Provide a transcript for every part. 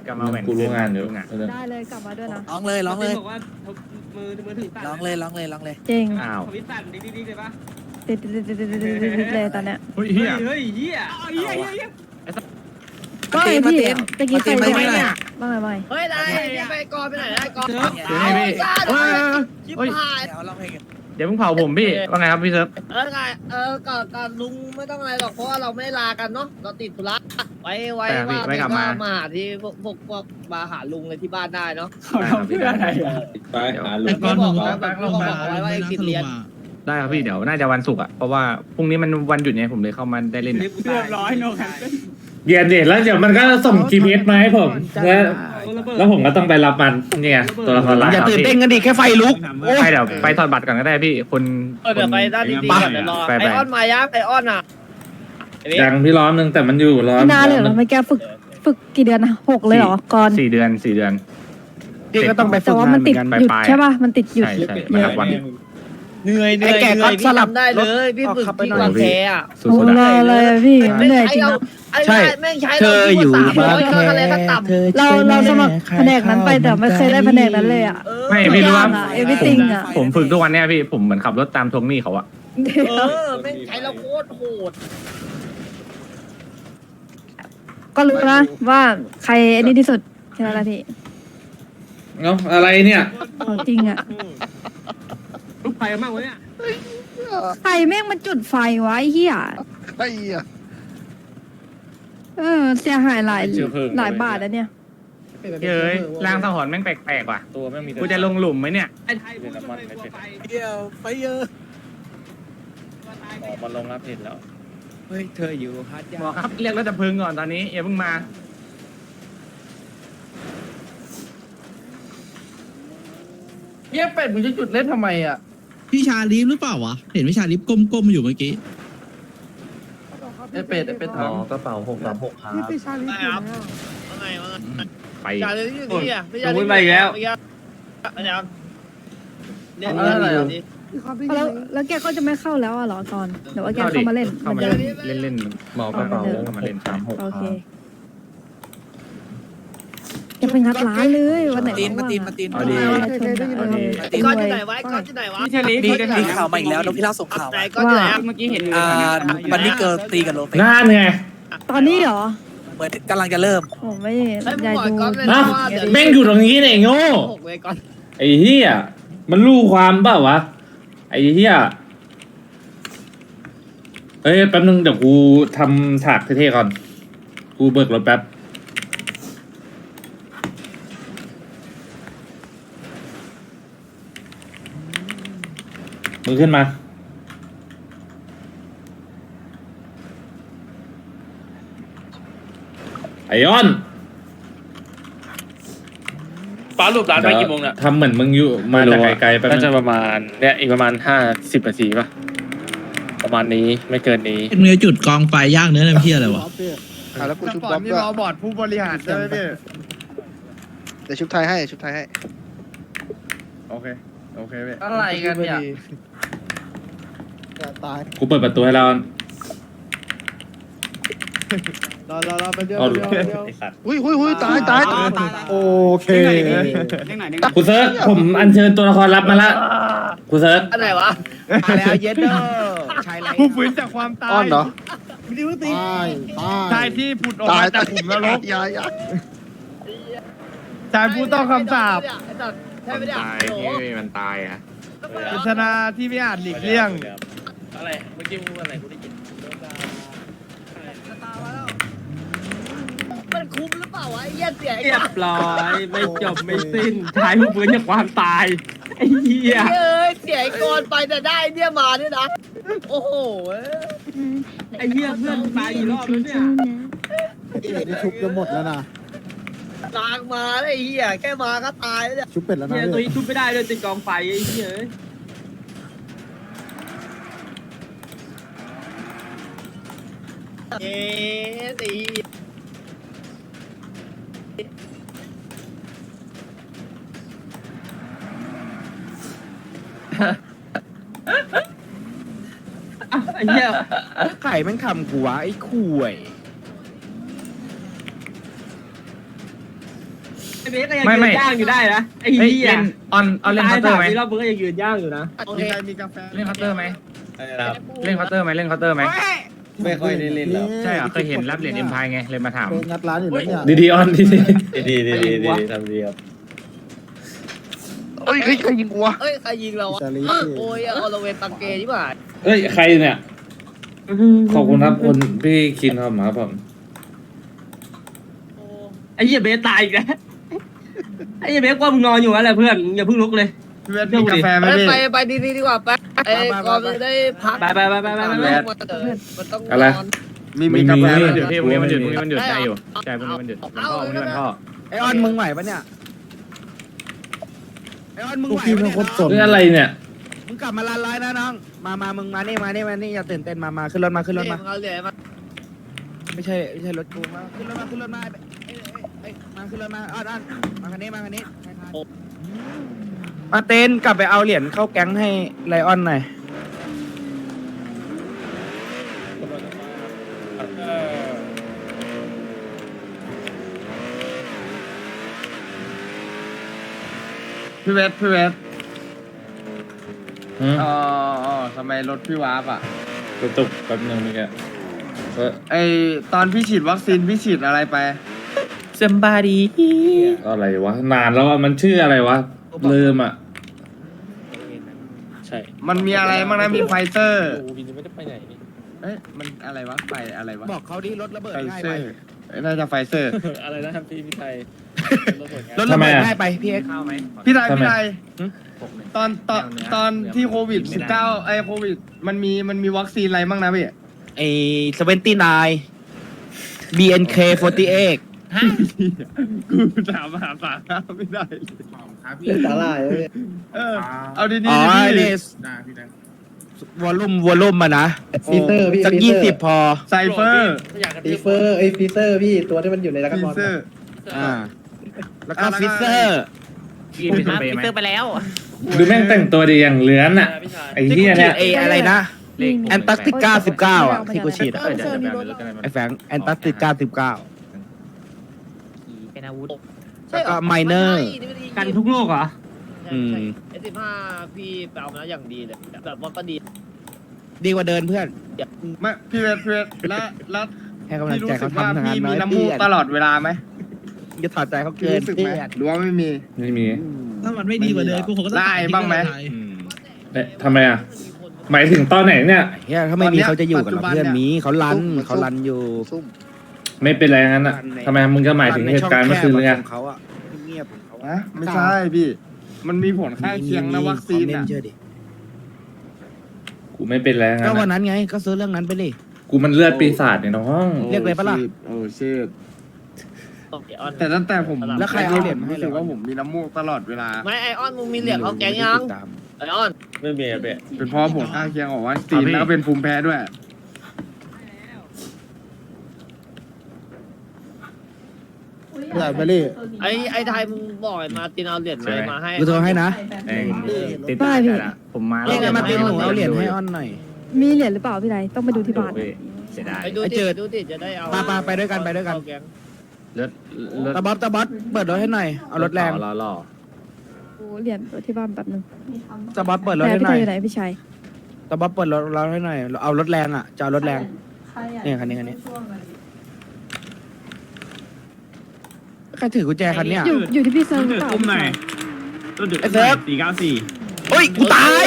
กลับมาแหวนกูรู้งานอยู่ได้เลยกลับมาด้วยนะร้องเลยร้องเลยบอกว่ามือถึงตัดร้องเลยร้องเลยร้องเลยจริงอ้าวทวิตตัดดีๆเลยปะติดเลยตอนเนี้ยเฮ้ยเฮียเฮ้ยเฮียก็ไอพี่ตะกี้ใครมาจะตีไม่มาตีเนี่ยบ้างไงเฮ้ยได้ไปก่อนไปไหนได้ก่อนเดี๋ยวให้พี่เฮ้ยเดี๋ยวร้องเพลงกันเดี๋ยวเพิ่งเผาผมพี่ว่าไงครับพี่เซิร์ฟไงก่อนลุงไม่ต้องอะไรหรอกเพราะว่าเราไม่ได้ลากันเนาะเราติดธุระไว้ว่ามาหาที่พวกมาหาลุงเลยที่บ้านได้เนาะเพื่ออะไรไปหาลุแต่งก็บอกแล้วแบบก็บอกไว้ว่าไอ้ติดเรียนได้ครับพี่เดี๋ยวน่าจะวันศุกร์อ่ะเพราะว่าพรุ่งนี้มันวันหยุดไงผมเลยเข้ามาได้เล่นเรียบร้อยโนคันเย็นดิแล้วเดี๋ยวมันก็ส่ง GPS มาให้ผมแล้วผมก็ต้องไปรับมันเนี่ยตัวละครลับอย่าตื่นเต้นกันดิแค่ไฟลุกไปเดี๋ยวไปถอดบัตรก่อนก็ได้พี่คนเดี๋ยวไปด้านดีๆก่อนเดี๋ยวรอไอออนมายังไอออนอ่ะยังพี่ล้อมนึงแต่มันอยู่ล้อมนานเลยเหรอไม่แกฝึกกี่เดือนนะ6เลยเหรอก่อน 4 เดือนพี่ก็ต้องไปฝึแต่กว่างานมันเหมืติอดนกันหยุดใช่ป่ะมันติดหยุดใช่เยใช่อะมาครับวันเหนื่อยพี่ทำได้เลยพี่ฝึกที่กวางแคอ่ะสุโอ้ดๆรอะอเลยพี่เหนื่อยจริงใช่แม่งใช้เราที่300เครื่องอะไรก็ต่ำเราสมัครแผนกนั้นไปแต่ไม่เคยได้แผนกนั้นเลยอ่ะไม่พี่รู้ว่าเอวิติงอ่ะผมฝึกทุกวันเนี่ยพี่ผมเหมือนขับรถตามทวงหนี้เขาอะแม่งใช้เราโคตรโหดก็รู้นะว่าใครอันนี้ที่สุดแค่นั้นแหละพี่เอ้าอะไรเนี่ยของจริงอ่ะลูกไฟมากวะเนี่ยใครแม่งมันจุดไฟไว้เฮียไอ้เหี้ยเสียหายหลายบาทแล้วเนี่ยเฮ้ยร่างสังหรณ์แม่งแปลกๆว่ะตัวแม่งมีกูจะลงหลุมไหมเนี่ยไอ้ไทยพูดทำไมกลัวไฟเดียวไฟเยอะมันลงรับผิดแล้วเฮ้ยเธออยู่ฮัทยาบอกครับเรียกรถดับเพลิงก่อนตอนนี้อย่าเพิ่งมาเยี่ยเป็ดมึงจะจุดเล่นทำไมอ่ะพี่ชาลีฟหรือเปล่าวะ เห็นพี่ชาลีฟก้มๆอยู่เมื่อกี้ไอเป็ดถามกระเป๋า636ครับครับว่าไงไปจ่าเลยที่อยู่นี่อ่ะไม่ใช่พูดไปแล้วเนี่ยแล้วแกก็จะไม่เข้าแล้วอ่ะเหรอก่อนเดี๋ยวว่าแกเข้ามาเล่นเข้ามาเล่นหมอกระเป๋าเข้ามาเล่นโอเคแกไปงัดร้านเลยวันไหนมาตีนเอาดีก้อนที่ไหนวะก้อนที่ไหนวะพี่เชลีมีข่าวมาอีกแล้วนกพิราบส่งข่าวไหนก้อนที่ไหนเมื่อกี้เห็นวันนี้เกิร์ลตีกับโลเปนั่นไงตอนนี้เหรอเหมือนกำลังจะเริ่มผมไม่ไอ้อยากหมอดูก้อนเลยนะว่าแม่งอยู่ตรงนี้เนี่ยไอ้โง่ 6เลยก้อนไอ้เหี้ยมันรู้ความเปล่าวะไอ้เหี้ยเอ้ยแป๊บนึงเดี๋ยวกูทำฉากเท่ๆก่อนกูเบิกรถแป๊บมึงขึ้นมาไอออนป้ารูปร้านไปกี่โมงเนี่ยทำเหมือนมึงอยู่มาจากไกลๆไปบน่านึจะงประมาณเนี่ยอีกประมาณ50 นาทีป่ะ ประมาณนี้ไม่เกินนี้เป็นมือจุดกองไฟย่างเนื้อน้ำเพี้ยอะไรวะแล้วกูชุบก่บ๊ออน บมีด้วยรอบอร์ดผู้บริหารใช่ไหมพี่เดี๋ยวชุบไทยให้ชุบไทยให้โอเคพี่อะไรกันเนี่ยตายกูเปิดประตูให้เรารอไปเดียวเอาเดียวหุ้ยตายโอเคกูเซิร์ชผมอัญเชิญตัวละครลับมาละกูเซิร์ชอันไหนวะมาแล้วเย็ดเด้อชายไรผู้ฟื้นจากความตายอ้อนเหรอชายที่ผุดออกมาจากขุมนรกยาชายผู้ต้องคำสาปใช่ไม่ได้ตายที่มันตายอ่ะเป็นชนะที่ไม่อาจหลีกเลี่ยงอะไร เมื่อกี้พูดอะไรกูได้ยินมันคุ้มหรือเปล่าวะไอ้เหี้ยเสียไอ้เรียบร้อยไม่จบไม่สิ้นชายผู้ฟื้นจากความตายไอ้เหี้ยเอ้ยเสียไอ้กอนไปแต่ได้เนี่ยมาเนี่ยนะโอ้โหไอ้เหี้ยเพื่อนตายกี่รอบแล้วเนี่ยนี่ชุบจะหมดแล้วนะนางมาไอ้เหี้ยแค่มาก็ตายแล้วเนี่ยชุบเป็ดแล้วนะเหี้ยตัวนี้ทุบไม่ได้เลยติดกองไฟไอ้เหี้ยเอ๊ะไอ้เหี้ยไอ้เหี้ยไข่แม่งทำกูวะไอ้ข่วยไอ้เบสก็ยังยืนย่างอยู่ได้นะไอ้เฮ้ยเหี้ยเล่นออนเล่นเคาน์เตอร์ไหมตาย3 รอบมึงก็ยังยืนย่างอยู่นะโอเคมีใครมีกาแฟเล่นเคาน์เตอร์ไหมครับเล่นเคาน์เตอร์ไหมเล่นเคาน์เตอร์ไหมไม่ค่อยได้เล่นแล้วใช่เหรอเคยเห็นรับเหรียญเอ็มพายไงเลยมาถามงัดร้านอยู่แล้วเนี่ยดีๆออนดีดีทำดีครับเอ้ยใครยิงกูวะเอ้ยใครยิงเราอ่ะโอ้ยออลเวนตังเกที่บ่าๆเอ้ยใครเนี่ยขอบคุณครับคุณพี่คินครับผมไอ้เหี้ยเบสตายอีกแล้วไอ้เหี้ยเบสว่ามึงนอนอยู่อะไรเพื่อนอย่าเพิ่งลุกเลยพี่เวทมีกาแฟไหมพี่ไปดีกว่าไปไอ้ก่อนได้พักไปมันต้องนอนมีกาแฟพไหมรุ่งนี้มันหยุดพี่พรุ่งนี้มันหยุดพรุ่งนี้มันหยุดได้อยู่ใช่พรุ่งนี้มันหยุดวันพ่อพรุ่งนี้วันพ่อไอออนมึงไหวปะเนี่ยไอออนมึงไหวปะเนี่ยเรื่องอะไรเนี่ยมึงกลับมาลานไลน์นะน้องมามึงมานี่อย่าตื่นเต้นมาขึ้นรถมาเอาเหรียญมาไม่ใช่รถกูมาขึ้นรถมามาขึ้นรถมาอ้อนมาคันนี้มาเต้นกลับไปเอาเหรียญเข้าแก๊งให้ไลออนหน่อยพี่เวทอืมอ๋อทำไมรถพี่วาร์ปอ่ะกระตุกแป๊บนึงเมื่อกี้ก็ไอตอนพี่ฉีดวัคซีนพี่ฉีดอะไรไป somebody อะไรวะนานแล้วอะมันชื่ออะไรวะลืมอ่ะใช่มันมีอะไรบ้างนะมีไฟเซอร์วินไม่ได้ไปไหนนี่เอ้ยมันอะไรวะไฟอะไรวะบอกเขาดิรถระเบิดไฟง่ายเซไปอร์น่าจะไฟเซอร์อะไรนะครับพี่ไทยรถระเบิดง่ายไปพี่เอ็กซ์ข้าวไหมพี่ไทยทำไมตอนที่โควิด 19ไอโควิดมันมีวัคซีนอะไรบ้างนะพี่ไอ้79 BNK48 กูถามหาสาระไม่ได้เลยสาหร่ายเอาดีๆอ๋อพี่ไอ้นี่วอลลุ่มมานะฟีเซอร์พี่สักฟีเซอร์ 20 พอไซเฟอร์ฟีเฟอร์ฟีเซอร์พี่ตัวที่มันอยู่ในรักฟีบอลเซอร์แล้วก็ฟิเซอร์พี่เป็นสเปรย์ไหมดูแม่งแต่งตัวดีอย่างเหลือนอ่ะไอ้เหี้ยเนี่ยไอ้อะไรนะเลขแอนตาร์กติกา19อ่ะที่กูฉีดอ่ะเดี๋ยวแบบนี้แล้วกันไอ้แฟงแอนตาร์กติกา19 เป็นอาวุธแล้วก็ไมเนอร์กันทุกโลกเหรอ S15พี่ไปเอามาแล้วอย่างดีเลยแบบว่าก็ดีดีกว่าเดินเพื่อนไม่พี่เวทแล้วให้กำลังพี่รู้ใจสึเขากว่าทำงานพี่น้มีอยน้ำมูกตลอดเวลาไหมจะถอดใจเขาพี่เกินรู้สึกเพื่ไหมอนหรือว่าไม่มีไม่มีถ้ามันไม่ดีกว่าเดิมกูคงก็ต้องได้บ้างไหมเอ๊ะทำไมอ่ะหมายถึงตอนไหนเนี่ยเฮียถ้าไม่มีเขาจะอยู่กับเราปัจจุบันเพื่อนเนี่ยมีเขารันอยู่ไม่เป็นไรงั้นอ่ะทำไมมึงจะหมายถึงเหตุการณ์เมื่อคืนเลยไงของเขาอ่ะเงียบของเขานะไม่ใช่พี่ มันมีผลข้างเคียงนะวัคซีนเล่นอ่ะเชื่อดิกูไม่เป็นไรงั้ก็นวันอะนั้นไงก็ซื้อเรื่องนั้นไปดิกูมันเลือดปีศาจเนี่ยน้องเรียกเลยปะล่ะโอ้ชิตแต่ตั้งแต่ผมแล้วใครเอาเหรียญมาให้รู้สึกว่าผมมีน้ำมูกตลอดเวลาไม่ไอออนมึงมีเหรียญเขาแกงยังไอออนไม่มีอะเบะเป็นเพราะผลข้างเคียงของวัคซีนแล้วก็เป็นภูมิแพ้ด้วยใหญ่ไปเลยไอไทยมึงบอกไอ้มาตินเอาเหรียญอะไรมาให้กูโทรให้นะติดตาละผมมาเรียกไงมาตินหนูเอาเหรียญให้อ้อนหน่อยมีเหรียญหรือเปล่าพี่ไรต้องไปดูที่บ้านเสียดายไปดูไอ้ดิเจิดดูดิจะได้เอาไปด้วยกันเลือดตาบ๊อบเปิดรถให้หน่อยเอารถแรงล่อดูเหรียญตัวที่บ้านแป๊บนึงตาบ๊อบเปิดรถแต่ให้พี่หไทน่อยยอยู่ไหนพี่ชัยตาบ๊อบเปิดรถให้หน่อยเอารถแรงอ่ะจะเอารถแรงเนี่ยคันนี้ใครถือกุญแจคันเนี้ยอยู่ที่พี่เซิร์ฟหรือเปล่าไอ้เซิร์ฟเฮ้ยกูตาย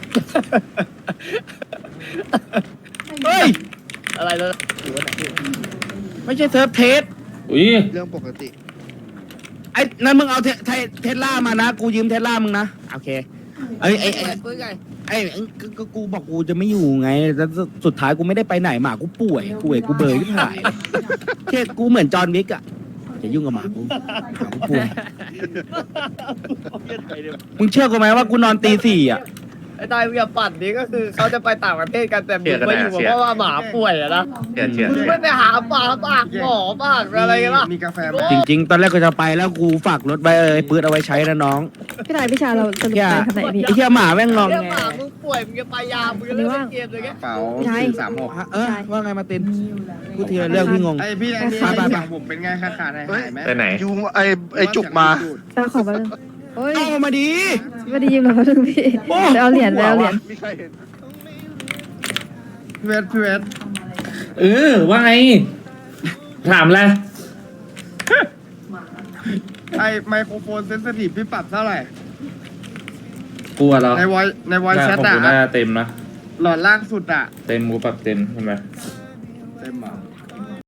เฮ้ยอะไรเลยไม่ใช่เซิร์ฟเทสอุ้ยเรื่องปกติไอ้นั่นมึงเอาเทสลามานะกูยืมเทสลามึงนะโอเคไอ้ก็กูบอกกูจะไม่อยู่ไงแล้วสุดท้ายกูไม่ได้ไปไหนหมากูป่วยกูเบยที่ถ่ายแค่กูเหมือนจอห์นวิกอะจะยุ่งกับหมากูป่วยมึงเชื่อกูไหมว่ากูนอนตี 4อะไอ้ตายมึงอย่าปั่นนี้ก็คือเขาจะไปต่างประเทศกันแต่มึงไปอยู่เพราะว่าหมาป่วยอะนะเชื่อมึงไม่ไปหาหมาปากหมอบ้างอะไรกันล่ะมีกาแฟไหมจริง ๆ ตอนแรกก็จะไปแล้วกูฝากรถไว้ปืนเอาไว้ใช้นะน้องพี่ชายพี่ชายเราสรุปไปคันไหนพี่ไอ้เหี้ยหมาแม่งงองเรื่องแงหมามึงป่วยมึงจะไปยามึงจะเล่นเกมเลยแกกระเป๋าใช่ 436 ว่าไงมาตินพูดทีละเรื่องพี่งงไอพี่อันนี้ไปๆๆเสียงผมเป็นไงขาดหายไหมไปไหนยุงไอจุกมาตาขอมาเลยโอ้ยเอามาดีไม่ได้ยืมเราถึงพี่ไปเอาเหรียญไปเอาเหรียญมีใครเห็นพี่เวทว่าไง ถามอะไรไอไมโครโฟนเซนซิทีฟพี่ปรับเท่าไหร่กลัวเหรอในวอยแชทของอะกูน่าเต็มนะหลอดล่างสุดอะเต็มกูปรับเต็มใช่ไหมเต็มเหรอ